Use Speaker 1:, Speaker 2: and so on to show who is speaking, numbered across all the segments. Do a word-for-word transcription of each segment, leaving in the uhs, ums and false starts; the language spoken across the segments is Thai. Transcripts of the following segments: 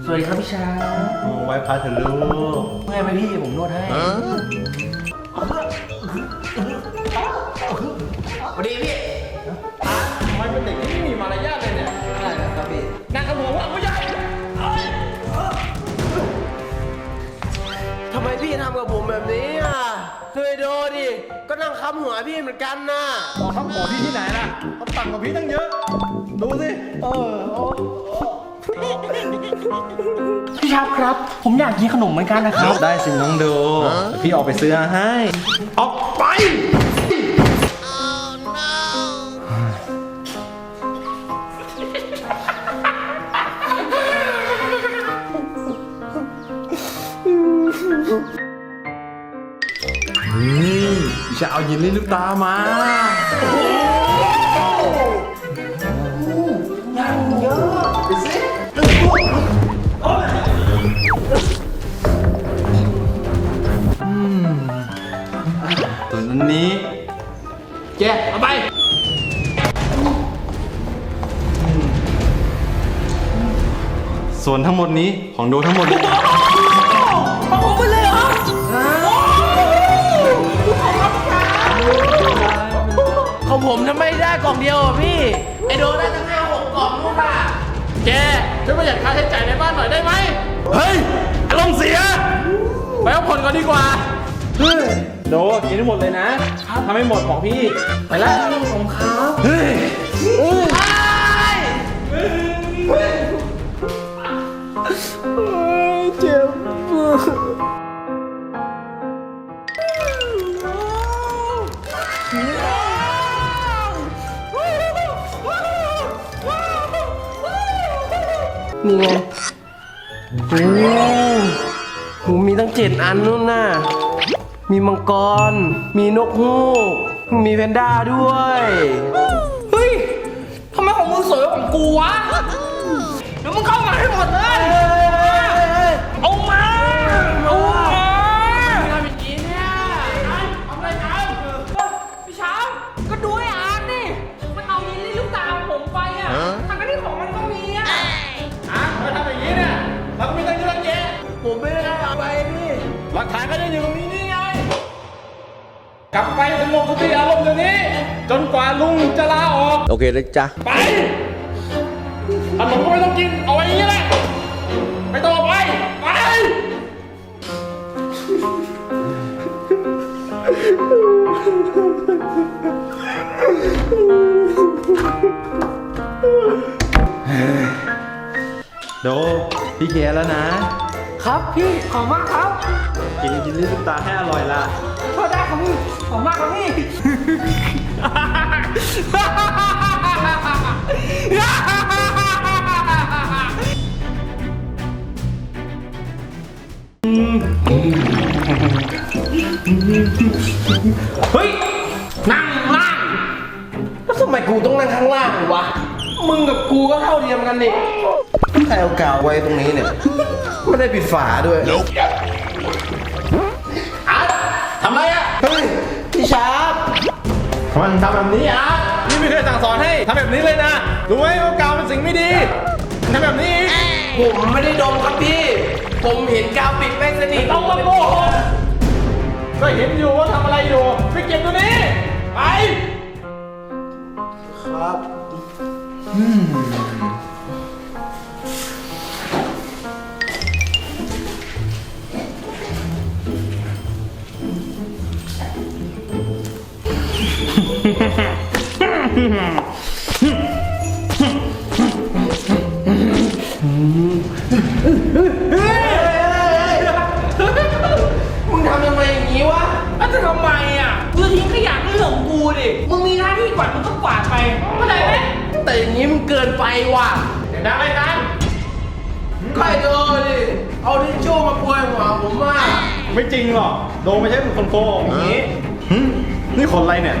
Speaker 1: สวัสดีครับพี่ชา
Speaker 2: โอ้ไว้พาเถอะลูก
Speaker 1: เมื่อยไหมพี่ผมนวดให้สวัสดีพี่
Speaker 2: ทำไมเป็นเด็กที่ไม่มีมารยาทเลยเนี่ย
Speaker 1: ได้ครับพี่
Speaker 2: นั่งกระหัวว่างไม่ใช่
Speaker 1: ทำไมพี่ทำกับผมแบบนี้อ่ะเคยโดนดิก็นั่งค้ำหัวพี่เหมือนกันนะ
Speaker 2: ขอคำขอพี่ที่ไหนล่ะเขาต่างกับพี่ตั้งเยอะดูสิเออ
Speaker 1: พี่ชาครับผมอยากกินขนมเหมือนกันนะครับ
Speaker 2: ได้สิน้องดูพี่ออกไปซื้อให้ออกไปนี่จะเอายินลี่ลูกตามา
Speaker 1: ยังเยอะไปสิ
Speaker 2: ส่วนอันนี้แกเอาไปส่วนทั้งหมดนี้ของโดทั้งหมด
Speaker 1: เอาไปเลยเหรอของผมทำไมได้กล่องเดียวอ่ะพี่ไอโดได้ตั้งห้าหกกล่องนู่นป่ะ
Speaker 2: แกช่วยประหยัดค่าใช้จ่ายในบ้านหน่อยได้ไหมเฮ้ยอารมณ์เสียไปเอาผ่อนก่อนดีกว่าเฮ้ยโดกินให้หมดเลยนะถ้าไม่หมดบอกพี่ไปแล้ว
Speaker 1: ของเขา
Speaker 2: เฮ้ย
Speaker 1: เจ็บนี่ไงโอ้โหมีตั้งเจ็ดอันนู่นน่ะมีมังกรมีนกฮูกมีแพนด้าด้วยเฮ้ยทำไมของมึงสวยกว่าของกูวะเดี๋ยวมึงเข้ามาให้หมดเลยเอามาเอามาทำอย่างนี้เนี่ยทำอะไรกันพี่ช้างก็ดูไอ้อาร์ตนี่มันเอายินลี่ลูกตาผมไปอ่ะทางที่ของมันก็มีอ่ะ
Speaker 2: อ่ะมาทำอย่างนี้เนี่ยเราก็มีตั้งเยอะแยะ
Speaker 1: ผมไม่ได้เอาไปพี่
Speaker 2: หลักฐานก็ยังอยู่ตรงนี้นี่ไงกลับไปสงบสติอารมณ์เดี๋ยวนี้จนกว่าลุงจะลาออก
Speaker 1: โอเคเลยจ้ะ
Speaker 2: ไปขนมก็ไม่ต้องกินเอาไว้อย่างนี้แหละไม่ต้องไปไปโดพี่เคลียร์แล้วนะครับ
Speaker 1: พี่ขอบมากครับ
Speaker 2: กินกินลิ้นตาให้อร่อยล่ะ
Speaker 1: โทษได้ครับพี่ขอบมากครับพี่เฮ้ยนั่งล่างแล้วทำไมกูต้องนั่งข้างล่างวะมึงกับกูก็เท่าเทียมกันนี่ใครเอากาวไว้ตรงนี้เนี่ยไม่ได้ปิดฝาด้วยอาร์ตทำไรอ่ะเฮ้ยพี่ชาร์ป
Speaker 2: มันทำแบบนี้อาร์ตนี่ไม่เคยสั่งสอนให้ทำแบบนี้เลยนะรู้ไหมว่ากาวเป็นสิ่งไม่ดีทำแบบนี้
Speaker 1: ผมไม่ได้ดมครับพี่ผมเห็นกาวปิดไม่สนิท
Speaker 2: ต้องมาโมโหก็เห็นอยู่ว่าทำอะไรอยู่ไปเก็บตัวนี้ไป
Speaker 1: ครับ
Speaker 2: อืม
Speaker 1: มึงทำยังไงอย่างนี้วะแล้วจะทำไมอ่ะมึงทิ้งขยะเรื่องของกูดิมึงมีหน้าที่กวาดมึงก็กวาดไปเข้าใจไหมแต่อย่างนี้มันเกินไปว่ะ
Speaker 2: เดี๋ยวได้ไหมกัน
Speaker 1: ใครโดนดิเอาทิชชู่มาปวยหัวผมว่า
Speaker 2: ไม่จริงหรอกโดนไม่ใช่เป็นคนโกงอย่างนี้นี่คนอะไรเนี่ย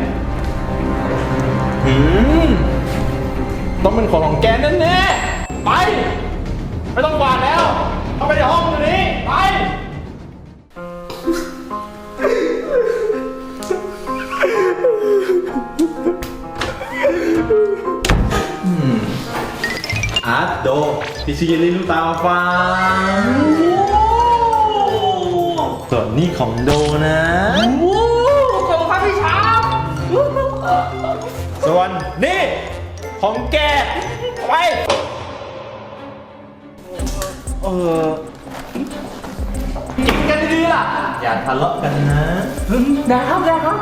Speaker 2: ต้องเป็นของของแกแน่ๆไปไม่ต้องกวาดแล้วเข้าไปในห้องตัวนี้ไป
Speaker 1: อา
Speaker 2: ร์ตโดพี่ซื้อเยลลี่ลูกตามาฝากส่วนนี่ของโดนะ
Speaker 3: โอ้ขอบคุณครับพี่ชาร์ป
Speaker 2: ส่วนนี่ของแกไปเออ
Speaker 3: กินกันดีๆล่ะ
Speaker 2: อย่าทะเลาะกันนะ
Speaker 3: ได้ครับได้ครับ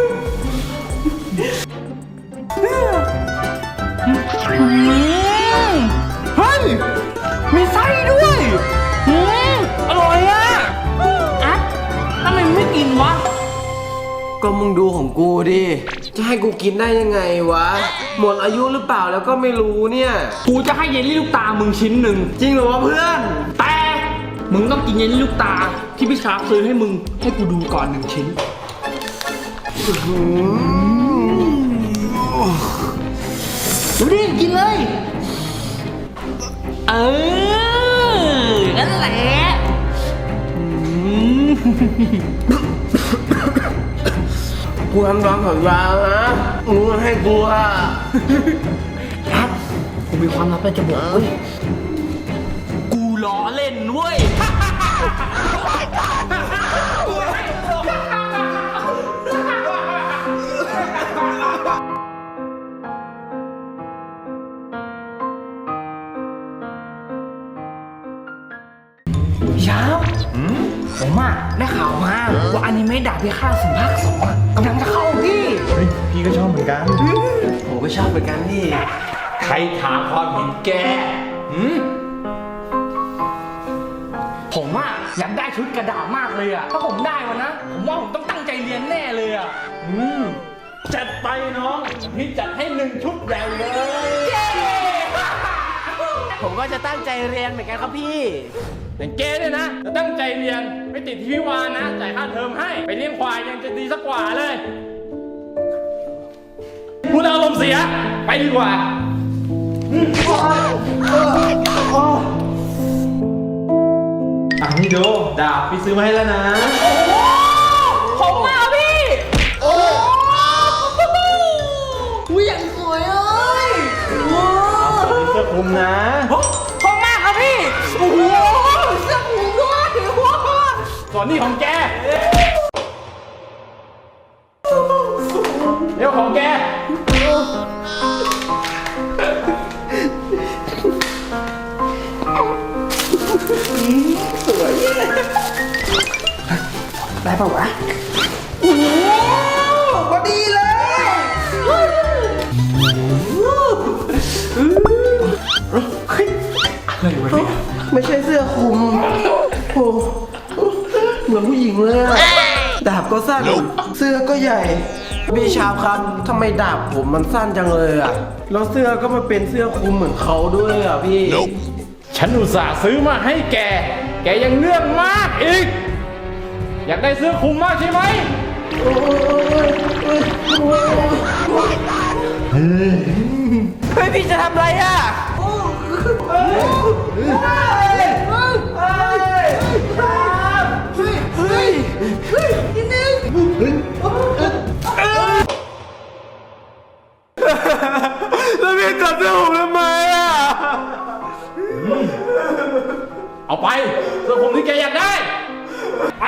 Speaker 3: เฮ้ยมีไส้ด้วยอืมอร่อยอ่ะอ่ะทำไมไม่กินวะ
Speaker 1: ก็มึงดูของกูดิ จะให้กูกินได้ยังไงวะ หมดอายุหรือเปล่าแล้วก็ไม่รู้เนี่ย
Speaker 3: กูจะให้เยลลี่ลูกตามึงชิ้นหนึ่ง
Speaker 1: จริงเหรอวะเพื่อน
Speaker 3: แต่มึงต้องกินเยลลี่ลูกตาที่พี่ชาร์ปซื้อให้มึงให้กูดูก่อนหนึ่งชิ้นดูดิกินเลย เออนั่นแหละอืม
Speaker 1: กูทำตามสัญญานะมึงให้กูอ่ะ
Speaker 3: ครับกูมีความลับอะไรจะบอกเว้ยกูล้อเล่นเว้ย พี่ชาร์ปผมอะได้ข่าวมาว่าอนิเมะดาบพิฆาตสิงห์ภาคสองอะกำลังจะเข้าพี่
Speaker 2: เฮ้ยพี่ก็ชอบเหมือนกัน
Speaker 1: ผมก็ชอบเหมือนกันนี่
Speaker 2: ใครถามความเห็นแกหืม
Speaker 3: ผมอะอยากได้ชุดกระดาษมากเลยอะถ้าผมได้วันนะ ผมว่าผมต้องตั้งใจเรียนแน่เลยอะ
Speaker 2: อืมจัดไปน้องพี่จัดให้หนึ่งชุดใหญ่เลย
Speaker 1: ผมก็จะตั้งใจเรียนเหมือนกันครับพี่
Speaker 2: อย่างเกเนี่ยนะจะตั้งใจเรียนไม่ติดที่พิวานนะจ่ายค่าเทอมให้ไปเลี้ยงควายยังจะดีสักกว่าเลยพูดอารมณ์เสียไปดีกว่าอ่ะนี่ดูดาบพี่ซื้อมาให้แล้วนะ
Speaker 3: ผมมาพี่โอ้โหอย่างสวยเลยว้า
Speaker 2: เอาส่วนนี้เสื้อคลุมนะ
Speaker 3: ผมมากครับพี่โอ้โหเสื้อผูกด้วยว้า
Speaker 2: ส่วนนี้ของแกเดี๋ยวของแก
Speaker 3: ได้ป่าวะโอ้โหพอดีเลยอะไรวะเนี่ย
Speaker 1: ไม่ใช่เสื้อคลุมโอ้เหมือนผู้หญิงเลยอะดาบก็สั้น เสื้อก็ใหญ่ พี่ชาวครับทำไมดาบผมมันสั้นจังเลยอะแล้วเสื้อก็มาเป็นเสื้อคลุมเหมือนเขาด้วยอะพี่
Speaker 2: ฉันอุตส่าห์ซื้อมาให้แกแกยังเรื่องมากอีกอยากได้เสื้อคลุมมากใช่ไหม
Speaker 1: เฮ้ยพี่จะทำอะไรอะเฮ้ยเฮ้ยนิดนึงแล้วพี่จับเสื้อผมทำไมอะ
Speaker 2: เอาไปเสื้อคลุมที่แกอยากได้ไป